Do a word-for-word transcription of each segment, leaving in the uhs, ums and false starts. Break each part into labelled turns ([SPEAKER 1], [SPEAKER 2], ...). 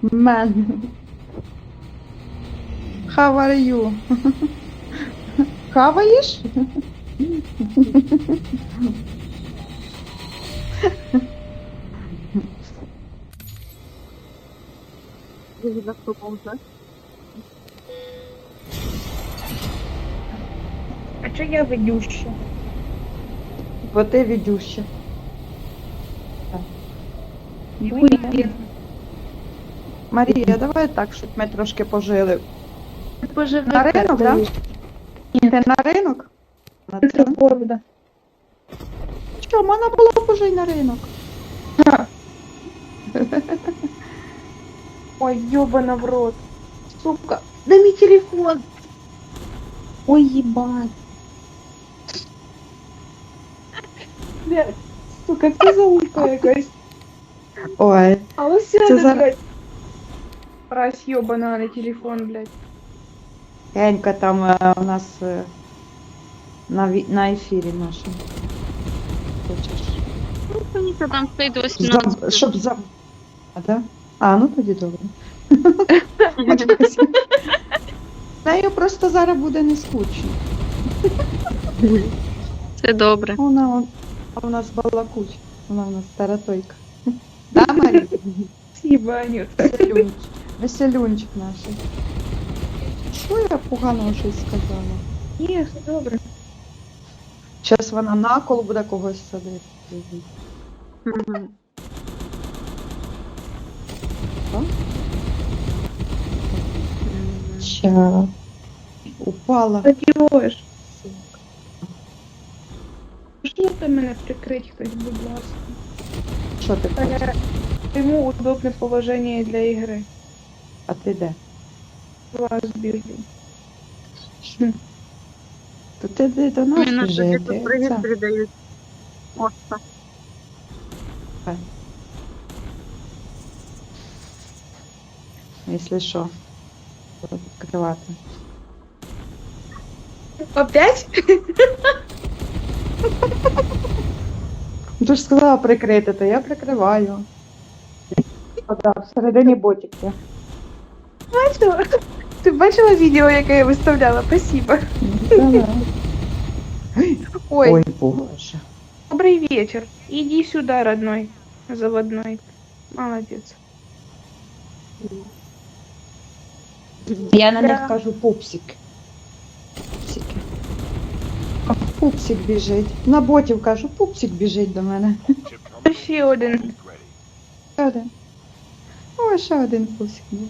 [SPEAKER 1] Man. How are you? Хаваєш?
[SPEAKER 2] А чо я ведуща?
[SPEAKER 1] Бо ти відюща.
[SPEAKER 2] Ніхуя.
[SPEAKER 1] Марія, давай так, щоб ми трошки пожили.
[SPEAKER 2] Поживи.
[SPEAKER 1] На ринок, да? Ти на ринок? На
[SPEAKER 2] Це
[SPEAKER 1] ринок?
[SPEAKER 2] города.
[SPEAKER 1] Що, можна було б уже й на ринок.
[SPEAKER 2] Ой, ёбана в рот. Сука, дай мне телефон. Ой, ебать. Блядь, сука, це за улька якась.
[SPEAKER 1] Ой,
[SPEAKER 2] А ось
[SPEAKER 1] Це
[SPEAKER 2] сяде,
[SPEAKER 1] за-
[SPEAKER 2] блядь. Раз ёбана на телефон, блядь.
[SPEAKER 1] Генька там е, у нас е, на, ві- на ефірі нашому. Хочеш?
[SPEAKER 3] Ну, Фаніка там стоїть вісімнадцять.
[SPEAKER 1] За, щоб за... А, да? А, ну тоді добре. Нею просто зараз буде не скучно.
[SPEAKER 3] Це добре.
[SPEAKER 1] Вона он- а у нас балакуть. Вона у нас таратойка. Да, Марія?
[SPEAKER 2] Спасибо, Анют.
[SPEAKER 1] Веселюнчик. Веселюнчик наш. Що я поганого щось сказала?
[SPEAKER 2] Ні, все добре.
[SPEAKER 1] Зараз вона на коло буде когось садити.
[SPEAKER 3] Мгм.
[SPEAKER 1] Ща. Упала.
[SPEAKER 2] Задієш. Можете мене прикрити хтось, будь ласка.
[SPEAKER 1] Що ти хочеш?
[SPEAKER 2] Е, Йому удобне положення для ігри.
[SPEAKER 1] А ти де?
[SPEAKER 2] Вас бігаю.
[SPEAKER 1] То ти де до нас
[SPEAKER 3] Мені на тобі
[SPEAKER 1] біжи.
[SPEAKER 3] тут привіт
[SPEAKER 1] Це.
[SPEAKER 3] передають. Оста.
[SPEAKER 1] Якщо що. Буду відкривати.
[SPEAKER 2] Опять?
[SPEAKER 1] Ну, ти ж сказала прикрити, то я прикриваю. О, так, всередині ботик є.
[SPEAKER 2] Бачила? Ти бачила відео, яке я виставляла? Спасибо.
[SPEAKER 1] Давай.
[SPEAKER 2] Ой,
[SPEAKER 1] Ой, боже.
[SPEAKER 2] добрый вечер. Иди сюда, родной, заводной. Молодец.
[SPEAKER 1] Я на
[SPEAKER 2] Да.
[SPEAKER 1] них кажу пупсик. Пупсики. О, пупсик біжить. На ботів кажу, пупсик біжить до мене.
[SPEAKER 2] Ще один.
[SPEAKER 1] Ще один. О, ще один пупсик був.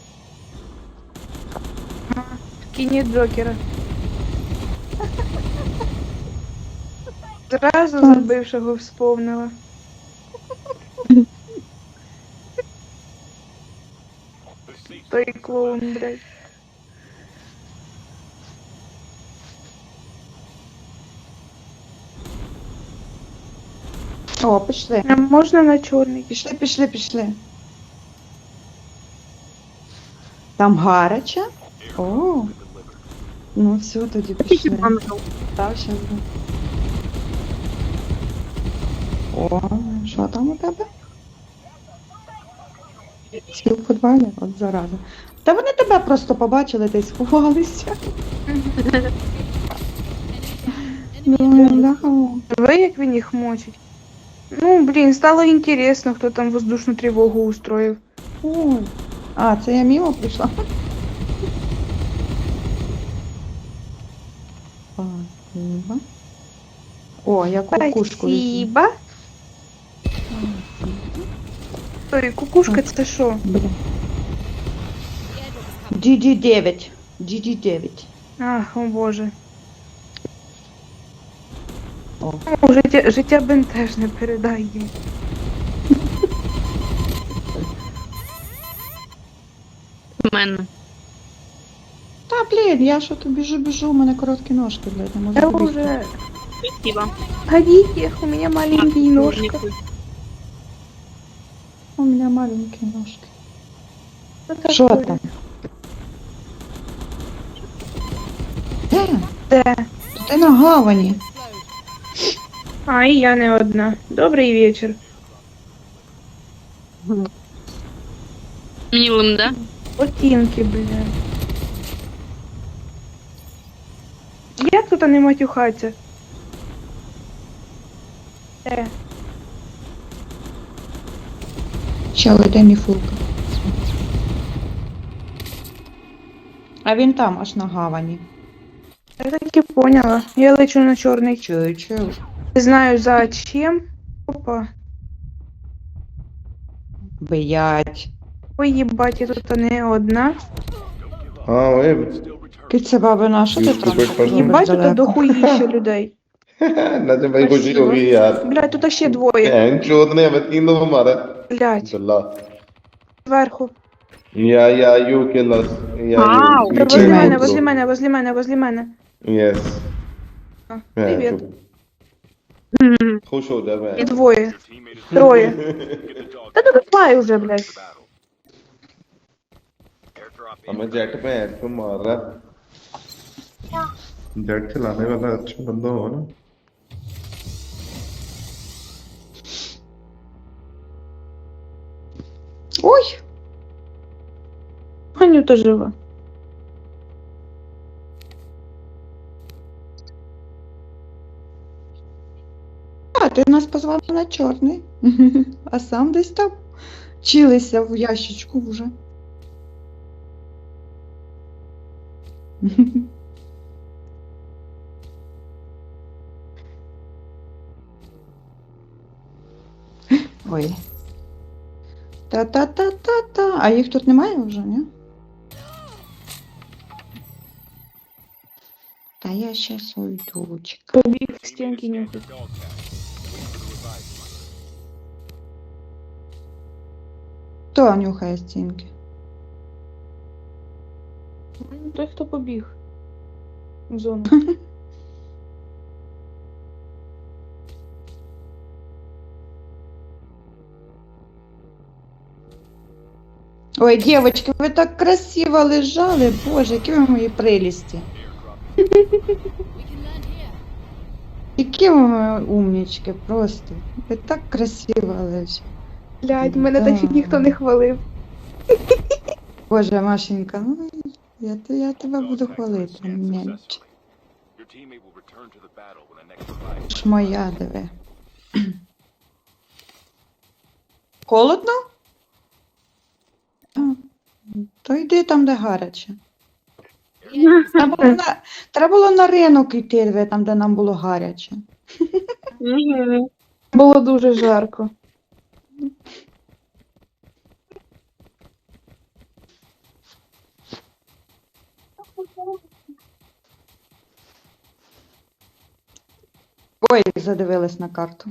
[SPEAKER 2] Кинет Джокера. Зразу за бившого вспомнила. Той клоун, блядь.
[SPEAKER 1] О, пішли.
[SPEAKER 2] А можна на чорний?
[SPEAKER 1] Пішли, пішли, пішли. Там гаряче? О, ну все, тоді пішли.
[SPEAKER 3] Бомжу.
[SPEAKER 1] Так, щас буде. О, що там у тебе? Стіл в футболі? От зараза. Та вони тебе просто побачили та й сховалися. Ну, бляха.
[SPEAKER 2] Ви як він їх мочить? Ну, блін, стало інтересно, хто там воздушну тривогу устроїв.
[SPEAKER 1] Ой. А, це я мимо прийшла. Спасибо. О, я кукушку візьму.
[SPEAKER 2] Спасибо. Ой, кукушка це що?
[SPEAKER 1] Бля. ді ді дев'ять. ді ді дев'ять.
[SPEAKER 2] Ах, о боже.
[SPEAKER 1] О.
[SPEAKER 2] Ну, життя, життя бентежне передай їм.
[SPEAKER 3] В мене.
[SPEAKER 1] Та, блін, я що то біжу, біжу, у мене короткі ножки, блядь, не можу
[SPEAKER 2] Я
[SPEAKER 1] добігти.
[SPEAKER 2] уже...
[SPEAKER 3] Спасибо.
[SPEAKER 2] Ходите, у меня маленькие ножки.
[SPEAKER 1] У мене маленькі ножки.
[SPEAKER 2] Что
[SPEAKER 1] Що
[SPEAKER 2] такое?
[SPEAKER 1] там? Де?
[SPEAKER 2] Да.
[SPEAKER 1] Ти на гавані.
[SPEAKER 2] А, и я не одна. Добрый вечер.
[SPEAKER 3] Милым, да?
[SPEAKER 2] Ботинки, блядь. Як тут не матюхаться? Е,
[SPEAKER 1] Чел, іде міфулка. А він там, аж на гавані.
[SPEAKER 2] я так і поняла. Я лечу на чорний.
[SPEAKER 1] Чую, чую.
[SPEAKER 2] Не знаю зачем. Опа.
[SPEAKER 1] Блять.
[SPEAKER 2] Ой, їбать, я тут не одна.
[SPEAKER 4] А, ви...
[SPEAKER 1] Киця бабина, що ти
[SPEAKER 4] Ні,
[SPEAKER 1] там?
[SPEAKER 4] купить пожалуйста.
[SPEAKER 2] Їбать, тут
[SPEAKER 1] далеко?
[SPEAKER 2] дохуїще людей.
[SPEAKER 4] ना तो भाई कुछ ही हो गई यार
[SPEAKER 2] Блядь, тут ще двоє.
[SPEAKER 4] बहन चोद ने हमें तीन दफा मारा
[SPEAKER 2] Блядь,
[SPEAKER 4] अल्लाह
[SPEAKER 2] зверху.
[SPEAKER 4] या या यू किल अस या
[SPEAKER 3] Вау,
[SPEAKER 4] यू
[SPEAKER 2] Та возле
[SPEAKER 1] Teammate.
[SPEAKER 2] мене, возле мене, возле мене, возле мене.
[SPEAKER 4] यस
[SPEAKER 2] А, Привіт.
[SPEAKER 3] Мгм.
[SPEAKER 4] खुश हो जा
[SPEAKER 2] І
[SPEAKER 4] मैं
[SPEAKER 2] двоє. Троє. Та ну давай уже, блядь.
[SPEAKER 4] हमें जेट पे है तो मार रहा जेट चलाने वाला अच्छा बंदा हो ना
[SPEAKER 1] Ой!
[SPEAKER 2] Анюта жива.
[SPEAKER 1] А, ти нас позвав на чорний. А сам десь там чилися в ящичку вже. Ой. Та-та-та-та-та. А їх тут немає вже, ні? Та я щас уйду, чекай.
[SPEAKER 2] Побіг стінки нюхать.
[SPEAKER 1] Хто нюхає стінки?
[SPEAKER 2] Ну, той, хто побіг. В зону.
[SPEAKER 1] Ой, девочки, ви так красиво лежали, боже, які ви мої прелісті. Які ви мої умнічки, просто. Ви так красиво лежите.
[SPEAKER 2] Блядь, мене
[SPEAKER 1] Да.
[SPEAKER 2] так ніхто не хвалив.
[SPEAKER 1] Боже, Машенька, ну я, те- я тебе буду хвалити, мельч. Ж моя, диви. Холодно? А, то йди там, де гаряче. Треба було на, треба було на ринок йти, диви, там, де нам було гаряче.
[SPEAKER 3] Мгм.
[SPEAKER 2] Було дуже жарко.
[SPEAKER 1] Ой, задивилась на карту.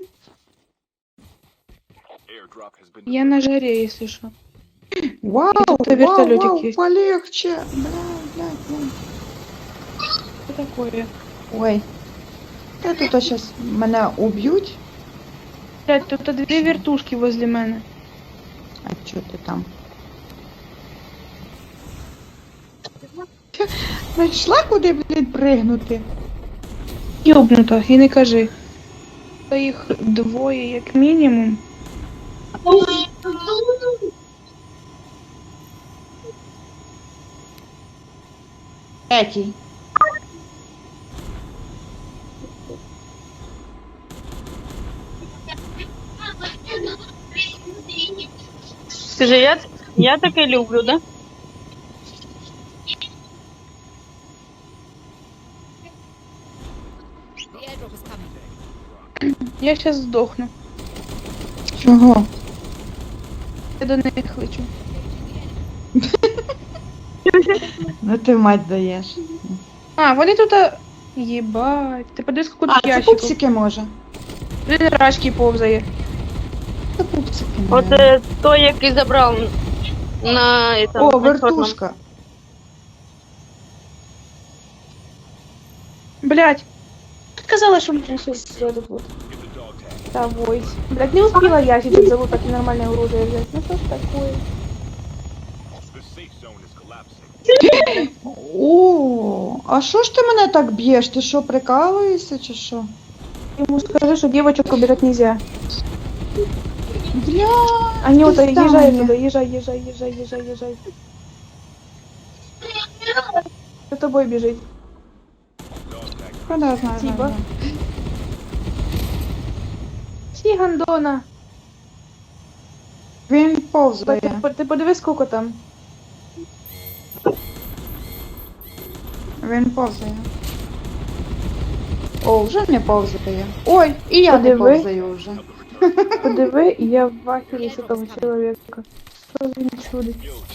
[SPEAKER 2] Я на жаре, если что.
[SPEAKER 1] Вау,
[SPEAKER 2] тут
[SPEAKER 1] вау,
[SPEAKER 2] вертолетик
[SPEAKER 1] вау,
[SPEAKER 2] есть.
[SPEAKER 1] полегче. Бля, блядь, блядь.
[SPEAKER 2] Что такое?
[SPEAKER 1] Ой. Я тут сейчас мене уб'ють.
[SPEAKER 2] Блядь, тут две вертушки возле мене.
[SPEAKER 1] А чо ти там? Знайшла куди, блядь, пригнути?
[SPEAKER 2] Ёбнуто, і не кажи. Та їх двоє, як мінімум.
[SPEAKER 1] Третій.
[SPEAKER 3] Скажи, я, я таке люблю, да?
[SPEAKER 2] Я щас здохну.
[SPEAKER 1] Чого?
[SPEAKER 2] Я до них лечу.
[SPEAKER 1] Ну ти мать даєш.
[SPEAKER 2] А, вони тут... а, Єбать. Ти подивись, скільки
[SPEAKER 1] А,
[SPEAKER 2] тут
[SPEAKER 1] це
[SPEAKER 2] ящиків.
[SPEAKER 1] пупсики може.
[SPEAKER 2] Блін, рачки повзає.
[SPEAKER 1] Це пупсики.
[SPEAKER 3] От
[SPEAKER 1] наверно.
[SPEAKER 3] е, той, який забрав на этом,
[SPEAKER 1] О,
[SPEAKER 3] на
[SPEAKER 1] вертушка.
[SPEAKER 2] Блядь. Ты сказала, что мне сейчас этот вот. Да, войс. Блядь, не успела я сейчас зовут так нормальное оружие взять. Ну что ж такое?
[SPEAKER 1] О, а що ж ти мене так б'єш? Ти що, прикалуєшся чи що?
[SPEAKER 2] Ему скажи, что девочек убирать нельзя.
[SPEAKER 1] Я...
[SPEAKER 2] Анюта,
[SPEAKER 1] Пизда
[SPEAKER 2] езжай
[SPEAKER 1] мне.
[SPEAKER 2] туда, езжай, езжай, езжай, езжай, езжай. За тобой бежит.
[SPEAKER 1] Куда знаю,
[SPEAKER 2] Спасибо.
[SPEAKER 1] знаю, знаю.
[SPEAKER 2] Всі гандона.
[SPEAKER 1] Він
[SPEAKER 2] Ти,
[SPEAKER 1] повзає.
[SPEAKER 2] ти, ти подивись, скільки там.
[SPEAKER 1] Він повзає. О, вже не повзає. Ой, і я не
[SPEAKER 2] Подиви.
[SPEAKER 1] повзаю вже.
[SPEAKER 2] Подиви, і я в ахері з того чоловіка. Що він чудить?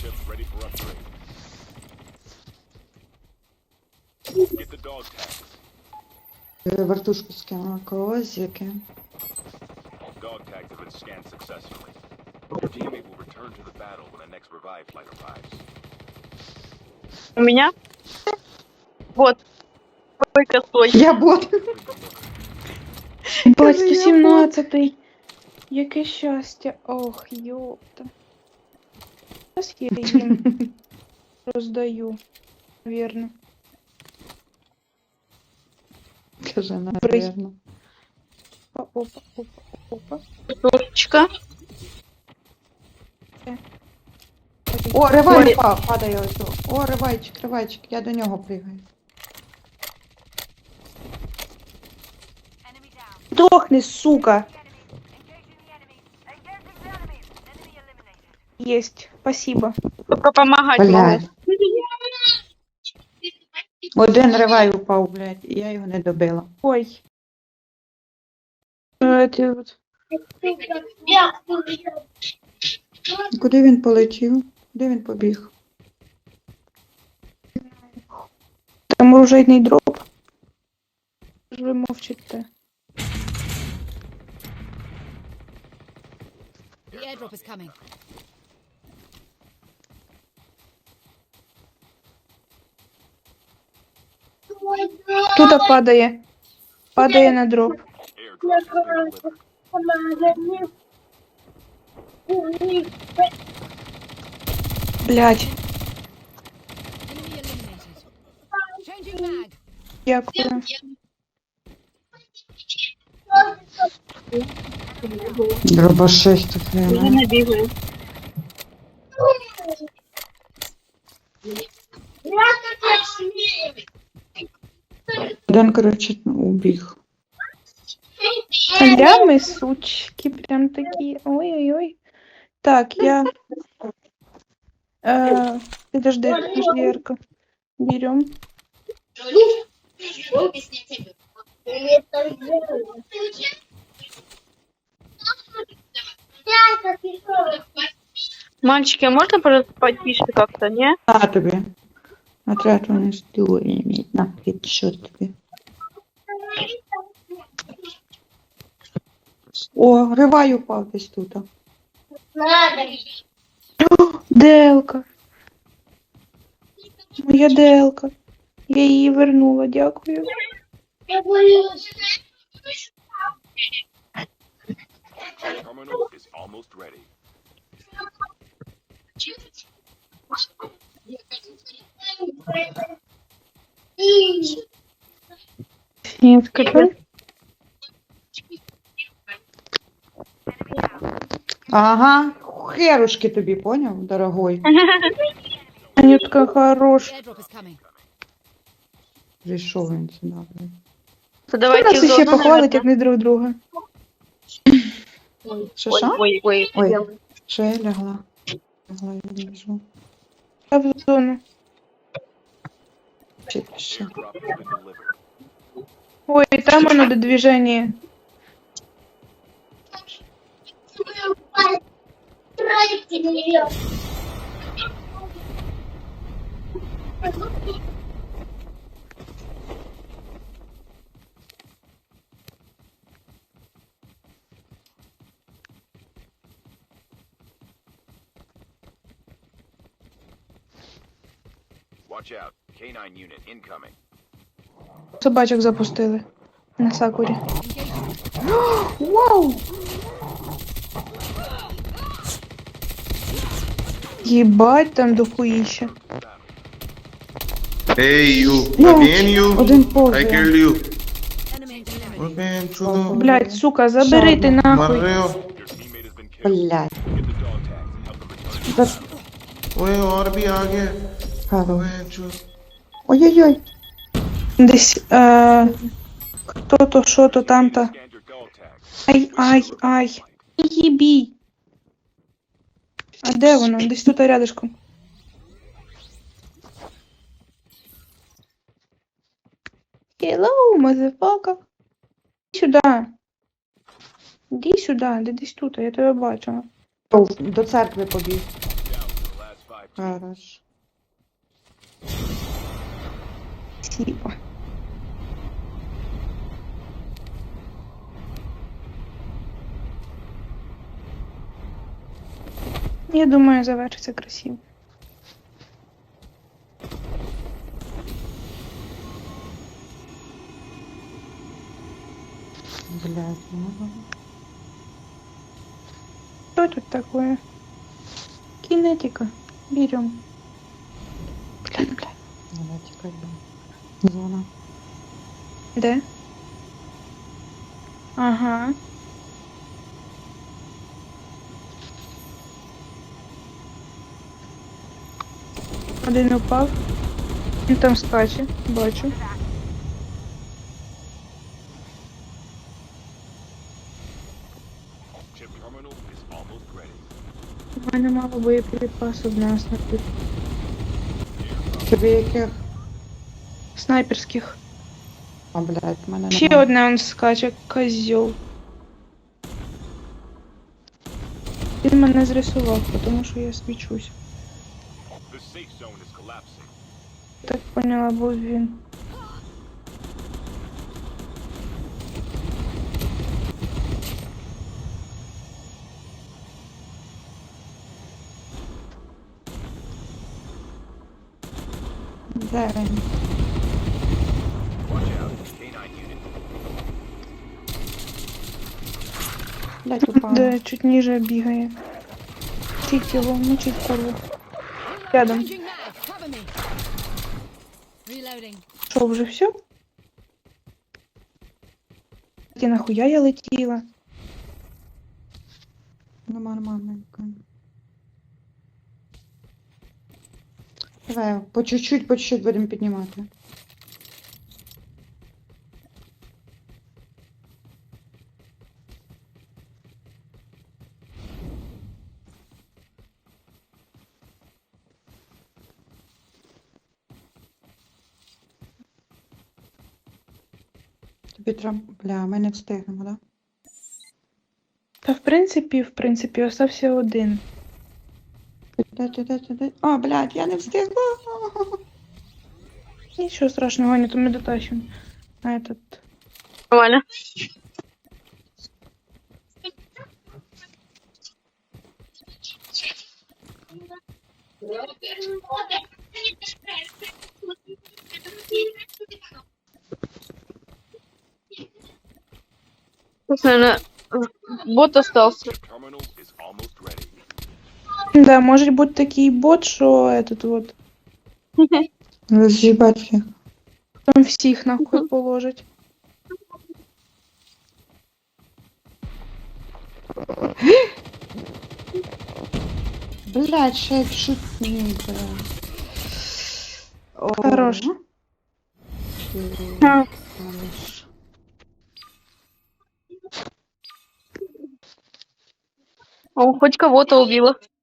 [SPEAKER 1] Е, Вертушку скинула козики.
[SPEAKER 5] Dog tags have been scanned successfully. Your teammate will return to the battle when the next revive flight arrives.
[SPEAKER 3] У меня? Вот. Ой, косой.
[SPEAKER 1] Я бот.
[SPEAKER 2] Бать, сто сімнадцятий. Яке щастя. Ох, йопта. Зараз я їм роздаю, вірно.
[SPEAKER 1] Каже, наверно.
[SPEAKER 2] Опа, опа, опа, опа.
[SPEAKER 3] Тушечка.
[SPEAKER 1] О, ривай впав, падає ось. О, ривайчик, ривайчик, я до нього пригаю.
[SPEAKER 2] Дохни, сука! Есть, спасибо.
[SPEAKER 3] Только помогать могу.
[SPEAKER 1] Блядь. Один ривай упав, блядь, і я його не добила.
[SPEAKER 2] Ой. Е, ти от.
[SPEAKER 1] Куди він полетів? Де він побіг?
[SPEAKER 2] Там оружейний дроп. Ж ви мовчите.
[SPEAKER 6] The airdrop is coming.
[SPEAKER 2] Тут падає. Падає на дроп.
[SPEAKER 5] Airdrop has been delivered.
[SPEAKER 2] Блять,
[SPEAKER 6] Enemy eliminated. Changing mag.
[SPEAKER 2] дякую.
[SPEAKER 1] Дробашист тут
[SPEAKER 3] Уже
[SPEAKER 1] вона.
[SPEAKER 3] не бегаю.
[SPEAKER 1] Один, коротше, убіг.
[SPEAKER 2] Лями, сучки, прям такі. Ой-ой-ой. Так, я... Э, подожди, подожди, Ярко. Берем.
[SPEAKER 3] Мальчики, а можно, пожалуйста, потише как-то, не?
[SPEAKER 1] На тобі. Отряд вони стоїть, на що тобі. О, ривай упав десь тут.
[SPEAKER 2] Делка. Моя делка. Я її вернула, дякую.
[SPEAKER 5] Terminal is almost ready.
[SPEAKER 2] Я скажу.
[SPEAKER 1] Ага, херушки тобі, поняв, дорогой?
[SPEAKER 2] Анютка хорош.
[SPEAKER 6] The airdrop is coming.
[SPEAKER 1] Прийшов він сюди, блядь.
[SPEAKER 3] То
[SPEAKER 2] Хто
[SPEAKER 3] давайте
[SPEAKER 2] нас
[SPEAKER 3] в
[SPEAKER 2] ще
[SPEAKER 3] зону,
[SPEAKER 2] похвалить, як
[SPEAKER 3] наверное.
[SPEAKER 2] не друг друга?
[SPEAKER 1] Що,
[SPEAKER 3] Ой,
[SPEAKER 1] що?
[SPEAKER 3] ой, ой,
[SPEAKER 1] Ой.
[SPEAKER 3] ой.
[SPEAKER 1] Що я лягла? Лягла я лежу.
[SPEAKER 2] Я в зону.
[SPEAKER 1] Чи ще?
[SPEAKER 5] Airdrop has been delivered.
[SPEAKER 2] Ой, там оно до движения.
[SPEAKER 5] Watch out. K nine unit incoming.
[SPEAKER 2] Собачок запустили. На Сакурі.
[SPEAKER 6] Engaging.
[SPEAKER 2] Вау! Єбать, там дохуїще.
[SPEAKER 4] Hey, you.
[SPEAKER 1] Ну,
[SPEAKER 4] Again, you.
[SPEAKER 1] один
[SPEAKER 4] I
[SPEAKER 1] повзає.
[SPEAKER 4] kill you.
[SPEAKER 6] Enemy eliminated.
[SPEAKER 4] Again, чудо.
[SPEAKER 2] Блять, сука, забери ти нахуй.
[SPEAKER 4] Марeo.
[SPEAKER 5] Your teammate has been killed.
[SPEAKER 1] Блядь.
[SPEAKER 5] Get the dog tags and help them return.
[SPEAKER 1] Да,
[SPEAKER 4] ओए और भी आ गए
[SPEAKER 1] Карл.
[SPEAKER 4] ओए जो
[SPEAKER 1] Ой-ой-ой.
[SPEAKER 2] Десь, е, хто-то, що-то, там-то.
[SPEAKER 5] Scanned your dog tags.
[SPEAKER 2] Ай, ай, ай. Їбій. А де воно? Десь тут рядышком. Hello, motherfucker. Іди сюди. Іди сюди, де десь тут, я тебе бачила.
[SPEAKER 1] О, до церкви побіг.
[SPEAKER 5] Down to the last five teams.
[SPEAKER 1] Хорош.
[SPEAKER 2] Спасибо. Я думаю, завершиться красиво.
[SPEAKER 1] Блядь, ну.
[SPEAKER 2] Что тут такое? Кинетика. Берем. Блядь, блядь.
[SPEAKER 1] Надо тікати. блін. Зона.
[SPEAKER 2] Де? Ага. Один упав. Він там скаче, бачу.
[SPEAKER 5] Chip terminal is almost ready.
[SPEAKER 2] У мене мало боєприпасів для снайпер...
[SPEAKER 1] Тобі яких?
[SPEAKER 2] снайперських.
[SPEAKER 1] А, блядь, в мене
[SPEAKER 2] Ще
[SPEAKER 1] нема.
[SPEAKER 2] одне он скаче, козьол. Він мене зрисував, тому що я свічусь.
[SPEAKER 5] The safe zone is collapsing.
[SPEAKER 2] Так поняла, був він.
[SPEAKER 1] Де він?
[SPEAKER 5] Watch out. K nine unit.
[SPEAKER 1] Блядь, упала.
[SPEAKER 2] Де чуть ніже бігає. Мучить його, мучить курву. Рядом.
[SPEAKER 6] Changing mag. Cover me. Reloading.
[SPEAKER 2] Що, вже все? Ті нахуя я летіла?
[SPEAKER 1] Ну, нормальненько. Давай, по чуть-чуть, по чуть-чуть будемо піднімати. Тобі треба... Бля, ми не встигнемо, да?
[SPEAKER 2] Та в принципі, в принципі, остався один.
[SPEAKER 1] Де, де, де, де, де? А, блядь, я не встигла.
[SPEAKER 2] Нічого страшного, Аня, то ми дотащимо. На этот...
[SPEAKER 3] Нормально. Тут, наверное, бот остался.
[SPEAKER 5] Chip terminal is almost ready.
[SPEAKER 2] Да, може бути такий бот, що этот вот,
[SPEAKER 1] Роз'їбать всіх.
[SPEAKER 2] там всіх нахуй положить.
[SPEAKER 1] Блядь, ще шутні, бля. О,
[SPEAKER 2] Хорош.
[SPEAKER 1] Хорош.
[SPEAKER 3] О, хоть кого-то убила.